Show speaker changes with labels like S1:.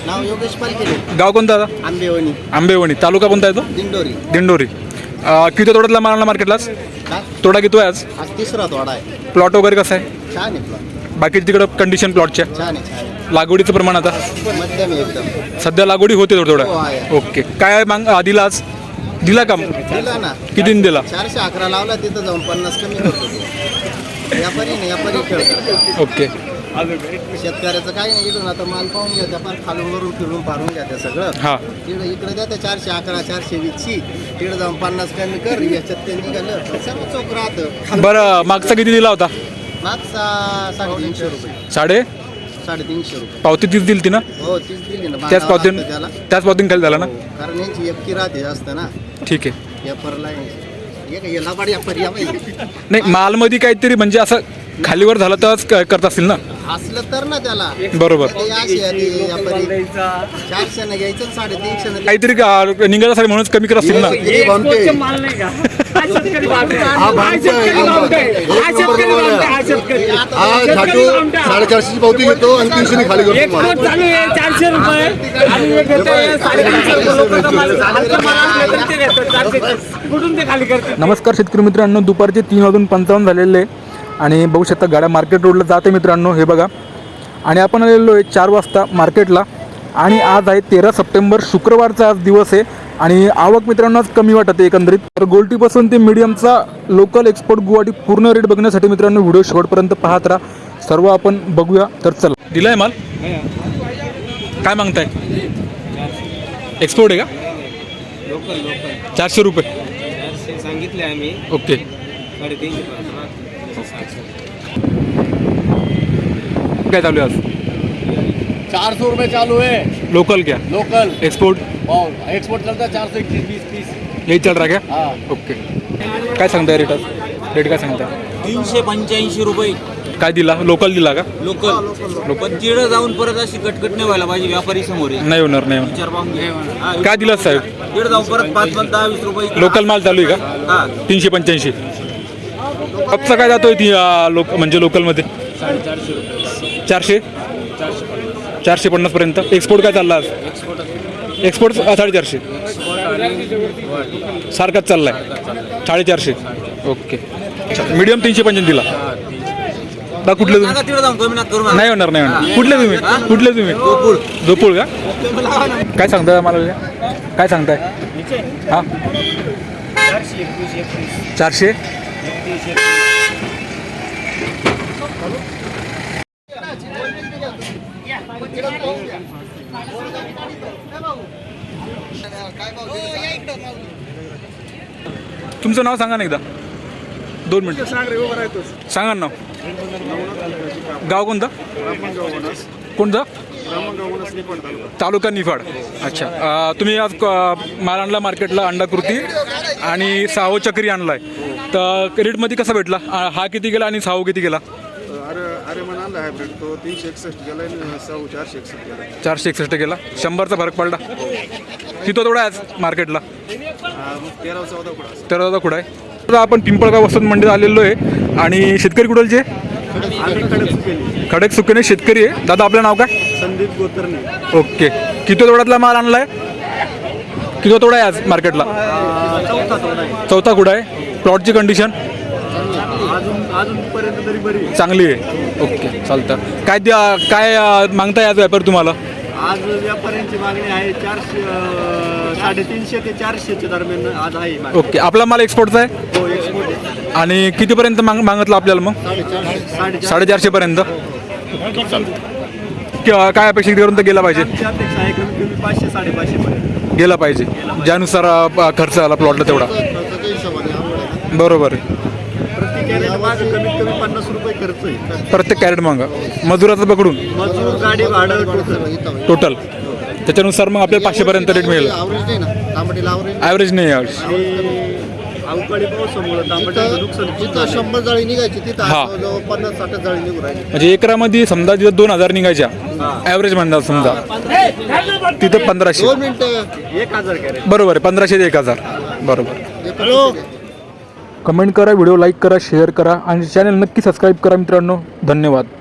S1: नाव योगेश पालखेडे.
S2: गाव कोणतं दादा?
S1: आंबेवणी.
S2: आंबेवणी. तालुका कोणता येतो?
S1: दिंडोरी.
S2: दिंडोरी. किती तोड्यातला माल आणला मार्केटलाच?
S1: काय
S2: तोडा किती आहे आज?
S1: आज तिसरा तोडा आहे.
S2: प्लॉट वगैरे कसं आहे?
S1: छान आहे plot.
S2: बाकी तिकडं कंडिशन प्लॉटच्या?
S1: छान आहे छान आहे.
S2: लागवडीचं प्रमाण आता
S1: मध्यम आहे एकदम.
S2: सध्या लागवडी होते थोडं
S1: हो,
S2: थोडं.
S1: आहे.
S2: ओके. काय माग दिला आज? दिला का?
S1: दिला ना.
S2: कितीने दिला?
S1: 411 लावला, तिथं जाऊन 50 कमी करतो तो. व्यापारी नाही, व्यापारी खेळ करतात.
S2: ओके.
S1: शेतकऱ्याचं काही नाही. इकडून आता माल पाहून घ्या, त्या फार खालून वरून फिरून पारून घ्या त्या सगळं.
S2: हां.
S1: इकडे द्या त्या 411 420ची. तिकडे जाऊन 50 कमी कर. याच्यात ते निघालं सर्व चौक राहतं.
S2: बरं, मागचा किती दिला होता?
S1: मागचा 350 रुपये. 350 रुपये.
S2: पावती तीच दिली ती ना?
S1: हो, तीच दिली ना.
S2: त्याच
S1: बांधावं
S2: पावतीन
S1: लागतं त्याला.
S2: त्याच पावतीन खाली झाला ना?
S1: हो, कारण यांची एकटी राहते जास्त ना.
S2: ठीक आहे.
S1: पेपरला याला बाड व्यापारी
S2: नाही, मालमध्ये काहीतरी म्हणजे असं खालीवर झालं तरच करत असतील ना?
S1: असलं तर ना त्याला.
S2: बरोबर.
S1: ते अशी आहे ती व्यापारी. 400 न घ्यायचं, 350
S2: काहीतरी निघाल्यासाठी म्हणूनच कमी करत असतील ना?
S3: साडेचारशेची पावती घेतो आणि 300 खाली करतो.
S4: 400 रुपये कुठून ते खाली करते.
S2: नमस्कार शेतकरी मित्रांनो, दुपारचे 3:55 झालेले आणि बघू शकता गाड्या मार्केट रोडला जाते मित्रांनो. हे बघा, आणि आपण आलेलो आहे 4 वाजता मार्केटला. आणि आज आहे 13 सप्टेंबर, शुक्रवारचा आज दिवस आहे. आणि आवक मित्रांनो आज कमी वाटते एकंदरीत. तर गोल्टीपासून ते मीडियमचा लोकल एक्सपोर्ट गुवाहाटी पूर्ण रेट बघण्यासाठी मित्रांनो व्हिडिओ शेवटपर्यंत पाहत राहा. सर्व आपण बघूया. तर चला, दिलाय माल. काय मागताय? एक्सपोर्ट आहे का?
S4: लोकल
S2: 400 रुपये
S4: सांगितले आम्ही.
S2: ओके.
S4: 350.
S2: काय चालू आहे आज?
S3: 400 रुपये चालू है
S2: लोकल क्या?
S3: लोकल.
S2: एक्सपोर्ट
S3: और एक्सपोर्ट चलता है 421 20
S2: यही चल रहा क्या?
S3: हाँ.
S2: ओके. काय सांगताय रेट आज? रेट काय सांगताय?
S4: 385 रुपये
S2: काय दिला? लोकल दिला का?
S4: लोकल. पण तिकडं जाऊन परत अशी कटकट नाही व्हायला पाहिजे. व्यापारी समोर आहे.
S2: नाही होणार, नाही होणार.
S4: विचार पाहून घे.
S2: काय दिला साहेब?
S4: तिकडे जाऊन परत 5-10-20 रुपये.
S2: लोकल माल चालू आहे का?
S4: हा.
S2: 385. कपचा काय जातोय ती म्हणजे लोकलमध्ये?
S4: 450 रुपये.
S2: 400 450 पर्यंत. एक्सपोर्ट काय चालला आज? एक्सपोर्ट 450 सारखाच चाललाय. 450. ओके. मीडियम 355 दिला. कुठले तुम्ही?
S4: तिकडे जाऊन कमी करू.
S2: नाही होणार, नाही होणार. कुठले तुम्ही? झोपूळ का? काय सांगताय मला? काय सांगताय? हां, 400. तुमचं नाव सांगा ना एकदा. 2 मिनिटं सांगा ना नाव. गाव कोणतं? कोणतं? तालुका निफाड. अच्छा. तुम्ही आज माल आणला मार्केटला, अंडाकृती आणि साहो चक्री आणलाय. तर रेटमध्ये कसा भेटला? हा किती गेला आणि साहो किती गेला?
S3: अरे म्हणाला हायब्रिड तो 361 गेला आणि 461 गेला.
S2: 461 गेला. 100चा फरक पडला. किती थोडा आहे आज मार्केटला? 13-14 कुठं आहे. आता आपण पिंपळगाव वसंत मंडीत आलेलो आहे. आणि शेतकरी कुठलचे? खडक सुकेने शेतकरी आहे. दादा आपलं नाव काय?
S3: संदीप गोतरणे.
S2: ओके. किती तोड्यातला माल आणलाय? किती तोडा आहे आज मार्केटला? चौथा कुठं आहे. प्लॉटची कंडिशन
S3: अजूनपर्यंत तरी बरी
S2: चांगली आहे. ओके, चालतं. काय मागताय आज व्यापार तुम्हाला?
S3: आज व्यापाऱ्यांची मागणी आहे 350 ते 400 दरम्यान आज आहे.
S2: ओके. आपला माल एक्सपोर्टचा आहे?
S3: हो, एक्सपोर्ट आहे.
S2: आणि कितीपर्यंत मागितलं आपल्याला मग? 450 पर्यंत. काय अपेक्षा कितीपर्यंत गेला पाहिजे?
S3: अपेक्षा आहे कमी कमी 500-550 पर्यंत
S2: गेला पाहिजे, ज्यानुसार खर्च आला प्लॉटला तेवढा. बरोबर आहे.
S3: प्रत्येक कॅरेट मागे कमीत कमी 50 रुपये खर्च आहे.
S2: प्रत्येक कॅरेट मागा मजुराचं पकडून
S3: मजूर, गाडी भाडं
S2: टोटल. त्याच्यानुसार मग आपल्याला 500 पर्यंत रेट मिळेल. ॲव्हरेज नाही यावेळेस.
S3: अवकाळी पावसामुळे तांबट्याचं नुकसान.
S1: तिथं 100 जाळी निघायची, तिथं
S2: हा.
S1: 50-60 जाळी निघू राहिली.
S2: म्हणजे एकरामध्ये समजा तिथं 2000 निघायच्या ॲव्हरेज म्हणतात समजा, तिथं 1500.
S1: 2 मिनिटं.
S3: 1000 कॅरेट.
S2: बरोबर आहे. 1500 ते 1000. बरोबर. कमेंट करा, व्हिडिओ लाईक करा, शेअर करा आणि चॅनल नक्की सबस्क्राईब करा मित्रांनो. धन्यवाद.